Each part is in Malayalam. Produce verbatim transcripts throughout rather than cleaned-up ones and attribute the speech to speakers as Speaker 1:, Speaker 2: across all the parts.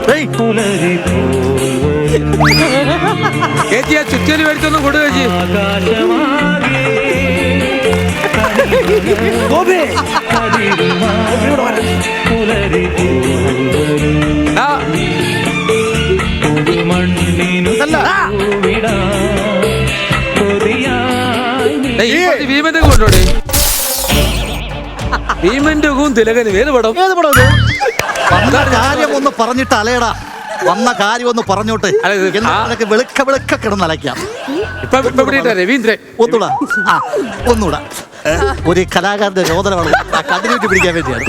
Speaker 1: ചേച്ചി ആ ചുറ്റലി മേടിച്ചൊന്നും കൊടു ചേച്ചി. ഭീമന്റെ കൊണ്ടോടെ ഭീമന്റെ തിലകന് ഏത് പടം
Speaker 2: ഏത് പടം കാര്യം ഒന്ന് പറഞ്ഞിട്ട് അലയടാ വന്ന കാര്യം ഒന്ന് പറഞ്ഞോട്ടെ വെളുക്ക വെളുക്ക കിടന്നലയ്ക്കാം.
Speaker 1: രവീന്ദ്രൻ
Speaker 2: ഒന്നൂടാ ആ ഒന്നൂടാ ഒരു കലാകാരന്റെ രോദനമാണ് കണ്ടിന്യൂറ്റി പിടിക്കാൻ വേണ്ടിയാണ്.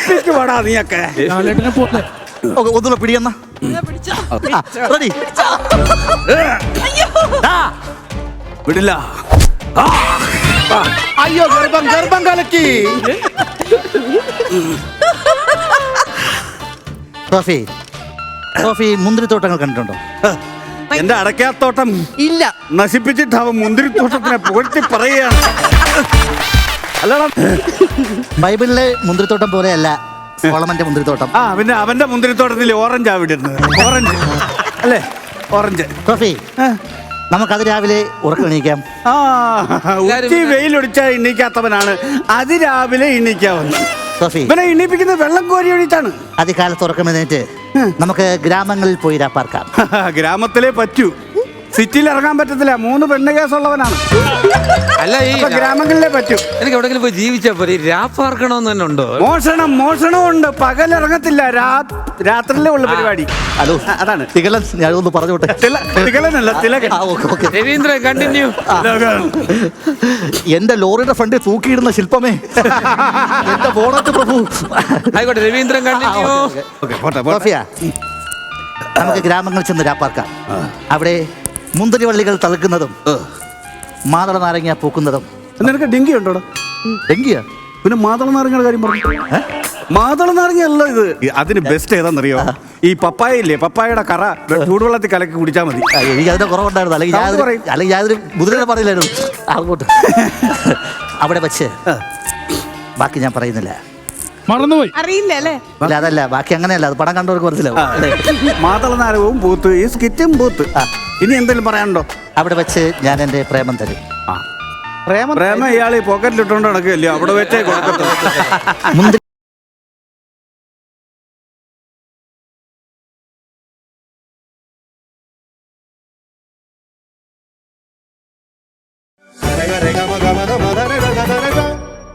Speaker 2: ഒന്നുകൂടെ പിടിയെന്ന റെഡി
Speaker 3: വിടില്ല.
Speaker 2: അയ്യോ ഗർഭം ഗർഭം കലക്കി. സോഫി സോഫി മുന്തിരിത്തോട്ടങ്ങൾ കണ്ടിട്ടുണ്ടോ?
Speaker 3: എന്റെ അടയ്ക്കാത്തോട്ടം
Speaker 2: ഇല്ല
Speaker 3: നശിപ്പിച്ചിട്ട് അവൻ മുന്തിരിത്തോട്ടത്തിനെ പുകഴ്ത്തി പറയുകയാണ്. അല്ലടാ
Speaker 2: ബൈബിളിലെ മുന്തിരിത്തോട്ടം പോലെയല്ല സോളമന്റെ മുന്തിരിത്തോട്ടം.
Speaker 3: ആ പിന്നെ അവന്റെ മുന്തിരിത്തോട്ടത്തിൽ ഓറഞ്ച് ആ വിടുന്നത്. ഓറഞ്ച് അല്ലേ ഓറഞ്ച്.
Speaker 2: സോഫി നമുക്കത് രാവിലെ ഉറക്കണീക്കാം.
Speaker 3: ആ ഉച്ചി വെയിലൊടിച്ചാൽ എണ്ണീക്കാത്തവനാണ് അതിരാവിലെ എണ്ണീക്കാവുന്നത്.
Speaker 2: സോഫി
Speaker 3: ഇവനെ എണ്ണീപ്പിക്കുന്നത് വെള്ളം കോരി ഒഴിച്ചാണ്.
Speaker 2: അതികാലത്ത് ഉറക്കമെഴുന്നേറ്റ് നമുക്ക് ഗ്രാമങ്ങളിൽ പോയി രാപ്പാർക്കാം.
Speaker 3: ഗ്രാമത്തിലേ പറ്റൂ, സിറ്റിയിൽ ഇറങ്ങാൻ പറ്റത്തില്ല. മൂന്ന് പെണ്ണ് കേസുള്ളവനാണ്.
Speaker 1: അല്ല ഈ
Speaker 3: ഗ്രാമങ്ങളിലേ പറ്റൂ.
Speaker 1: എനിക്ക് എവിടെങ്കിലും പോയി ജീവിച്ചാ പോലെ രാപ്പാർക്കണമെന്ന് തന്നെ ഉണ്ടോ?
Speaker 3: മോഷണം മോഷണവും ഉണ്ട്. പകൽ ഇറങ്ങത്തില്ല, രാത്രിയിലേ ഉള്ള പരിപാടി.
Speaker 2: ഹലോ
Speaker 3: അതാണ്
Speaker 2: തികലൻ. ഞാനൊന്ന് പറഞ്ഞോട്ടെ.
Speaker 3: തികലനല്ല തിലകൻ.
Speaker 1: രവീന്ദ്രൻ കണ്ടിന്യൂ.
Speaker 2: എന്റെ ലോറിയുടെ ഫ്രണ്ടിൽ തൂക്കിയിടുന്ന ശില്പമേ എന്റെ ബോണറ്റ് പ്രഭു.
Speaker 1: ആയിക്കോട്ടെ രവീന്ദ്രൻ കണ്ടിന്യൂ.
Speaker 2: നമുക്ക് ഗ്രാമങ്ങളിൽ ചെന്ന് രാപ്പാർക്കാം. അവിടെ മുന്തിരി വള്ളികൾ തളിക്കുന്നതും മാതള നാരങ്ങ പൂക്കുന്നതും.
Speaker 3: നിനക്ക് ഡെങ്കി ഉണ്ടോടാ?
Speaker 2: ഡെങ്കിയാ? പിന്നെ
Speaker 3: മാതള നാരങ്ങയുടെ കാര്യം പറഞ്ഞു. മാതള നാരങ്ങ അല്ല ഇത്. അതിന് ബെസ്റ്റ് ഏതാണെന്നറിയോ? ഈ പപ്പായ ഇല്ലേ, പപ്പായയുടെ കറ ചൂടുവെള്ളത്തിൽ കലക്കി കുടിച്ചാൽ മതി.
Speaker 2: എനിക്ക് അതിന്റെ കുറവുണ്ടായിരുന്നു. അല്ലെങ്കിൽ അല്ലെങ്കിൽ ഞാനൊരു മുതിരനെ പറയില്ലായിരുന്നു. അങ്ങോട്ട് അവിടെ വെച്ച് ബാക്കി ഞാൻ പറയുന്നില്ല.
Speaker 4: മറന്നുപോയി
Speaker 5: അറിയില്ല അല്ലേ?
Speaker 2: അല്ല അതല്ല, ബാക്കി അങ്ങനെയല്ല. അത് പടം കണ്ടവർക്ക് മനസ്സിലാവും.
Speaker 3: മാതള നാരകവും പൂത്ത്, ഈ സ്കിറ്റും പൂത്ത്. ഇനി എന്തെങ്കിലും പറയാനുണ്ടോ?
Speaker 2: അവിടെ വെച്ച് ഞാൻ എന്റെ പ്രേമം തരും.
Speaker 3: പ്രേമം പ്രേമം ഇയാൾ ഈ പോക്കറ്റിലിട്ടോണ്ട് നടക്കുകയല്ലോ, അവിടെ വെച്ചേ കൊടുക്കത്തുള്ളൂ.
Speaker 2: മുന്തിരി
Speaker 6: Rega, rega, maga, maga, maga.